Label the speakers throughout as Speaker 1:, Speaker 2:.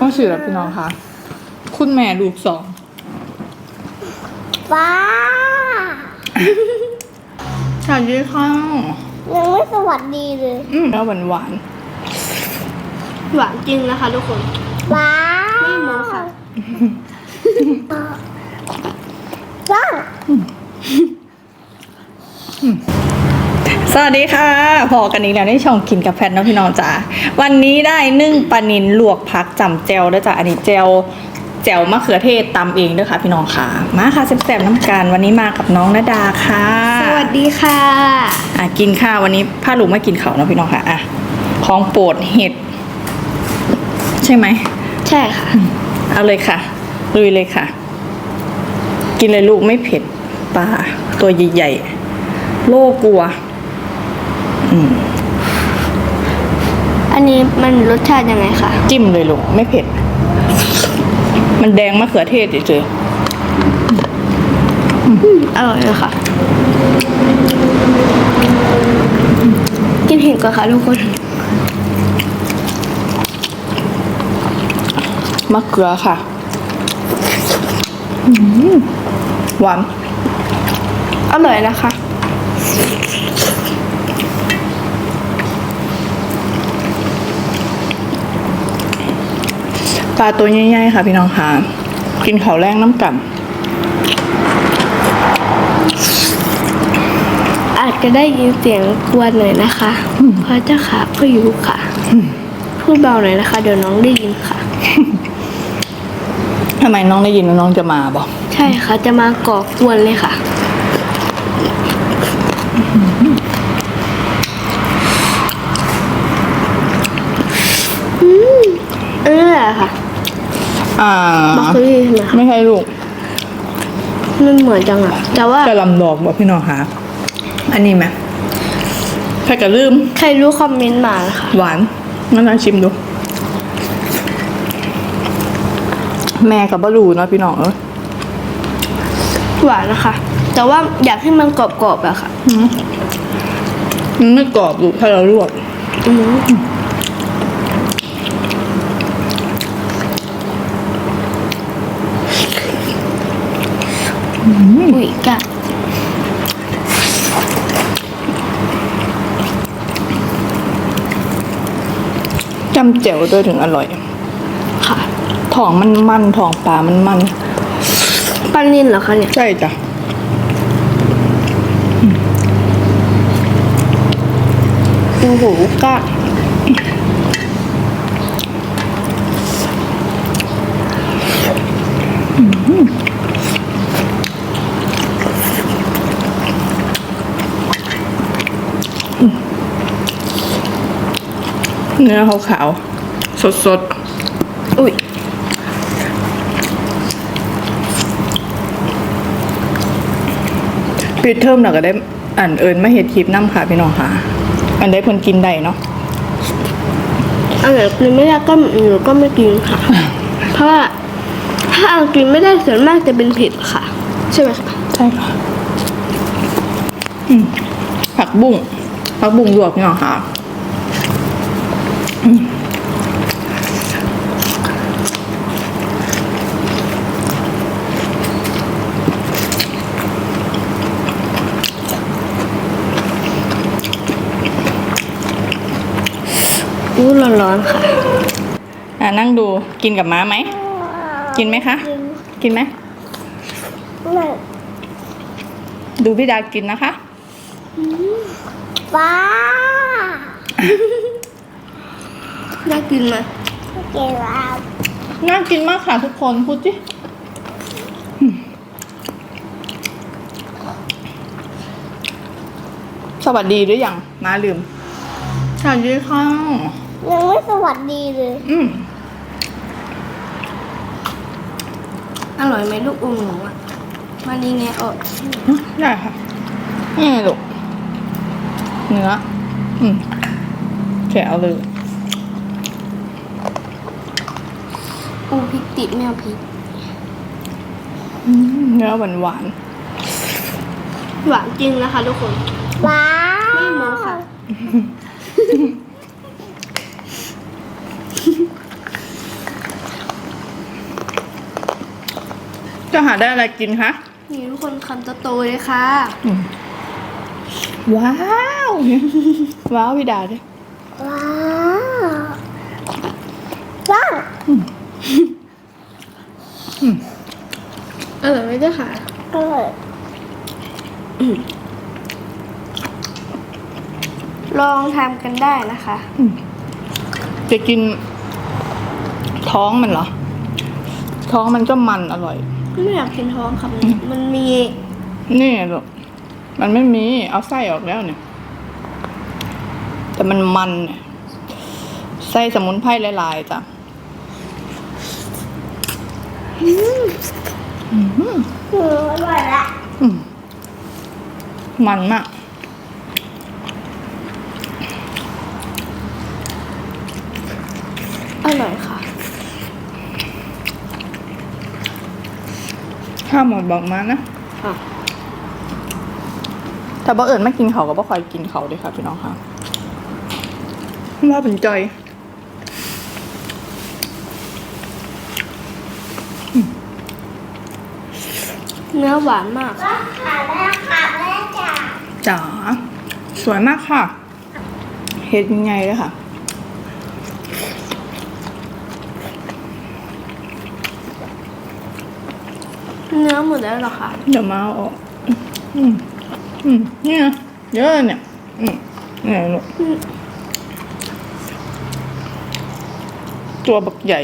Speaker 1: ต้องสื่อแล้วพี่น้องค่ะคุณแม่ลูกสอง
Speaker 2: ว้า
Speaker 1: สวัสดีค่ะ
Speaker 2: ยังไม่สวัสดีเลย
Speaker 1: แล้วหวาน
Speaker 3: หวานจริงนะคะทุกคน
Speaker 2: ว้า
Speaker 3: ไม่โม้ค่ะ
Speaker 2: ว้า
Speaker 1: สวัสดีค่ะพอกันนี้แล้วในช่องกินกับแพทนะพี่น้องจ๋าวันนี้ได้นึ่งปลานิลลวกผักจำแจวด้วยจ้ะอันนี้แจวมะเขือเทศตำเองด้วยค่ะพี่น้องค่ะมาค่ะแซ่บๆน้ำกันวันนี้มากับน้องณดาค่ะ
Speaker 3: สวัสดีค่ะ
Speaker 1: กินข้าววันนี้ผ้าลูกไม่กินเขาเนาะพี่น้องค่ะของโปรดเห็ดใช่ไหม
Speaker 3: ใช่ค่ะ
Speaker 1: เอาเลยค่ะลุยเลยค่ะกินเลยลูกไม่เผ็ดปลาตัวใหญ่ๆโลกลัว
Speaker 3: อันนี้มันรสชาติยังไงคะ
Speaker 1: จิ้มเลยลูกไม่เผ็ดมันแดงมะเขือเทศเฉย
Speaker 3: ๆอร่อยเลยค่ะกินเห็ดก่อนค่ะทุกคน
Speaker 1: มะเขือค่ะหวาน
Speaker 3: อร่อยนะคะ
Speaker 1: ปลาตัวใหญ่ๆค่ะพี่น้องค่ะกินข้าวแรงน้ำกัน
Speaker 3: อาจจะได้ยินเสียงกวนหน่อยนะคะเพราะเจ้าขาพ่ออยู่ค่ะพูดเบาหน่อยนะคะเดี๋ยวน้องได้ยินค่ะ
Speaker 1: ทำไมน้องได้ยินแล้วน้องจะมาบอก
Speaker 3: ใช่ค่ะจะมาก่อกวนเลยค่ะนี่แหละค่ะบักเกอรี่ใช่ไหม
Speaker 1: ไม่ใช่ลูก
Speaker 3: มันเหมือนจังอะแต่ว่า
Speaker 1: จะลำดอกบอกพี่น้องค่ะอันนี้ไหมใครจะลืม
Speaker 3: ใครรู้คอมเมนต์มาค่ะ
Speaker 1: หวานงั้นลองชิมดูแม่กับบะรูเนาะพี่น้อง
Speaker 3: หวานนะคะแต่ว่าอยากให้มันกรอบๆอะค่ะ
Speaker 1: มันไม่กรอบลูกถ้าเราลวก
Speaker 3: อุ้ยกะ
Speaker 1: จำเจ๋วด้วยถึงอร่อย
Speaker 3: ค่ะ
Speaker 1: ท้องมันท้องปลามัน
Speaker 3: ปลานิลเหรอคะเนี่ย
Speaker 1: ใช่จ้ะ
Speaker 3: โอ้โหกะ
Speaker 1: เนื้อขาวๆสด
Speaker 3: อุ้ย
Speaker 1: ปิดเทอมเราก็ได้เอิญมาเห็ดคลิปน้ำค่ะพี่น้องค่ะอันได้คนกินได้เนาะ
Speaker 3: อันไหนกินไม่ได้ก็หนูก็ไม่กินค่ะเพราะว่าถ้าเอากินไม่ได้ส่วนมากจะเป็นเผ็ดค่ะใช่ไหมคะ
Speaker 1: ใช่ค่ะผักบุ้งลวกพี่น้องค่ะ
Speaker 3: ร้อนๆค่ะ
Speaker 1: นั่งดูกินกับม้าไหมกินไหมคะกินไหมดูพี่ดากินนะคะ
Speaker 2: ว้า
Speaker 3: น่ากินไหม
Speaker 2: กินแล้ว
Speaker 1: น่ากินมากค่ะทุกคนพูดสิสวัสดีหรือยังมาลืมสวัสดีค่ะ
Speaker 2: ยังไม่สวัสดีเลย
Speaker 3: อร่อยไหมลูกอมหนูอ่ะวันนี้ไง
Speaker 1: ได้ค่ะนี่ลูกเนื้อแกะเอาเลย
Speaker 3: พริกติดไม่เอาพริก
Speaker 1: เนื้อหวาน
Speaker 3: จริงนะคะทุกคน
Speaker 2: ว้า
Speaker 3: ไม่โม้ค่ะ
Speaker 1: จะหาได้อะไรกินคะ
Speaker 3: นี่ทุกคนคำโตๆเลยค่ะ
Speaker 1: ว้าวว้าวพี่ดาด้วย
Speaker 2: ว้าวว้าว
Speaker 3: อร่อยไหมเจ้าค่ะ
Speaker 2: อร่อย
Speaker 3: ลองทำกันได้นะคะ
Speaker 1: จะกินท้องมันเหรอ ท้องมันก็มันอร่อย
Speaker 3: ไม่อยากกินท้องค่ะมันมี
Speaker 1: นี่ลูกมันไม่มีเอาไส้ออกแล้วเนี่ย แต่มันเนี่ยไส้สมุนไพรหลายๆจ้ะ
Speaker 2: อร่อยละ
Speaker 1: มันมาก
Speaker 3: อร่อยค่ะ
Speaker 1: ข้าวหมดบอกมานะ
Speaker 3: ค่ะ
Speaker 1: แต่บ่เอิญไม่กินเขาก็บ่คอยกินเขาด้วยค่ะพี่น้องค่ะว่าเป็นจอย
Speaker 3: เนื้อหวานมาก
Speaker 2: ว้าวขาแม่ขาแม่จ๋า
Speaker 1: จ๋าสวยมากค่ะ เห็ดยังไงเลยค่ะ
Speaker 3: เนื้อหมดแล้วเหรอคะ
Speaker 1: เดี๋ยวมาเอาออกเนี่ยเยอะเลยเนี่ยเนี่ยลูกตัวบักใหญ่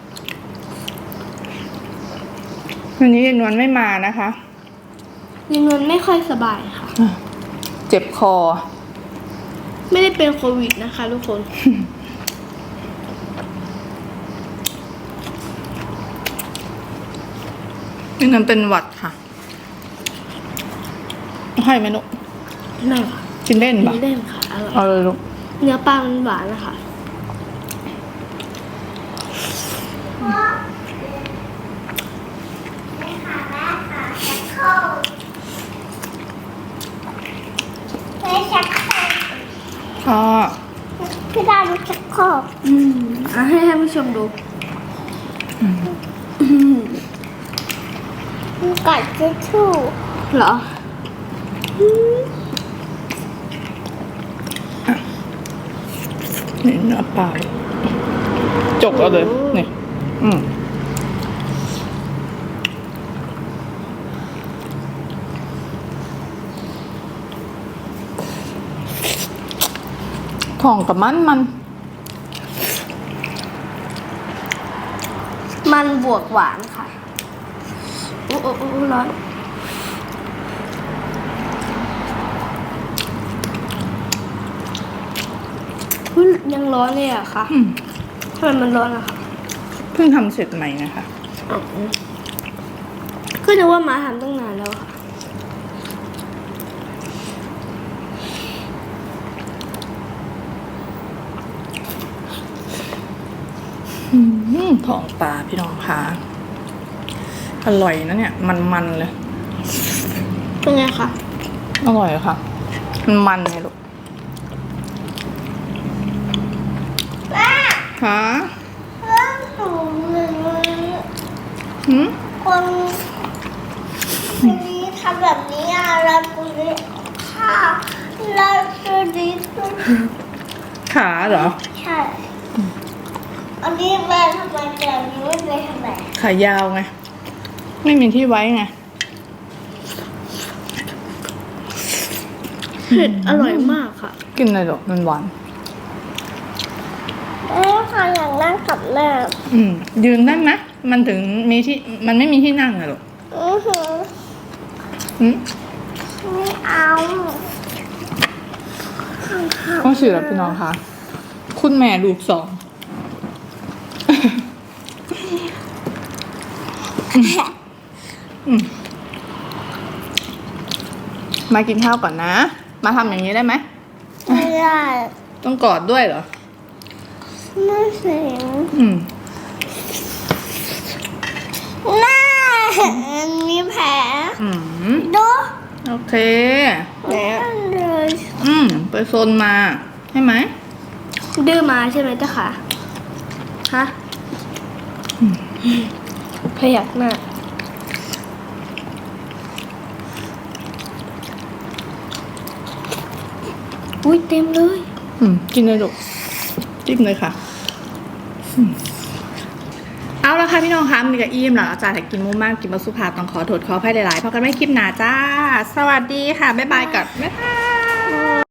Speaker 1: วันนี้ยายนวลไม่มานะคะ
Speaker 3: ยังนวลไม่ค่อยสบายค่ะ
Speaker 1: เจ็บคอ
Speaker 3: ไม่ได้เป็นโควิดนะคะทุกคน
Speaker 1: นี่นั่นเป็นหวัดค่ะ ให้ไหมลูก
Speaker 3: ไม่ค่ะ
Speaker 1: กินเล่นปะ
Speaker 3: ไม่ได้ค่ะอร่อย
Speaker 1: เอาเลยลูก
Speaker 3: เนื้อปลามันหวานนะคะ
Speaker 2: ไม่ชักโครก
Speaker 1: ค่ะ
Speaker 2: พี่ดาดูชักโครก
Speaker 3: ให้ท่านผู้ชมดู
Speaker 2: กัดทิชชู่
Speaker 3: เหรอ
Speaker 1: นี่เนื้อปลาจกเอาเลยนี่ของกับมัน
Speaker 3: มันบวกหวานค่ะ โอ้โอ้โอ้ร้อนอุ๊ยยังร้อนเลยอะค่ะทำไมมันร้อนอะคะ
Speaker 1: เพิ่งทำเสร็จใหม่นะคะ
Speaker 3: ก็นึกว่ามาทำตั้งนานแล้วค่ะ
Speaker 1: ของปลาพี่น้องค่ะอร่อยนะเนี่ยมันเลย
Speaker 3: เป็นไงคะ
Speaker 1: อร่อยค่ะมันไงลูก
Speaker 2: แม่
Speaker 1: ฮะ
Speaker 2: เรื่องสูงหนึ่ง คนนี้ทำแบบนี้อ่ะแล้วคนนี้ค่ะแล้วตัวนี้ตัว
Speaker 1: ขาเหรอ
Speaker 2: ใช่อันนี้แม่ทำไมแต่อันนี้ไม่ไปทำไม
Speaker 1: ขายาวไง ไม่มีที่ไว้ไง
Speaker 3: เผ็ดอร่อยมากค่ะ
Speaker 1: กินเลยหรอกมันหวาน
Speaker 2: แม่ค่ะอยากนั่งกับแม่
Speaker 1: ยืนได้ไหมมันถึงมีที่มันไม่มีที่นั่งอะหรอก
Speaker 2: อือหือ ไม่เอา
Speaker 1: ก็สื่อแล้วพี่น้องค่ะ คุณแม่ลูกสอง มากินข้าวก่อนนะ มาทำอย่างนี้ได้ไหม
Speaker 2: ไม่ได้
Speaker 1: ต้องกอดด้วยเหรอ
Speaker 2: ไม่เสียง
Speaker 1: อืม
Speaker 2: หน้ามีแผล ดู
Speaker 1: โอเค
Speaker 2: นั่นเลย
Speaker 1: ไปโซนมาใช่ไหม
Speaker 3: ดื้อมาใช่ไหมเจ้าค่ะ ฮะพยักหน้า
Speaker 1: อุ้ยเต็มเลยกินเลยลูกจิ้มเลยค่ะเอาละค่ะพี่น้องคะมันก็อิ่มแล้วอาจารย์แต่กินมุ้มากกินมาสุภาพต้องขอโทษขออภัยหลายๆเพราะกันไม่คลิปหนาจ้าสวัสดีค่ะบ๊ายบายกับบ๊ายบาย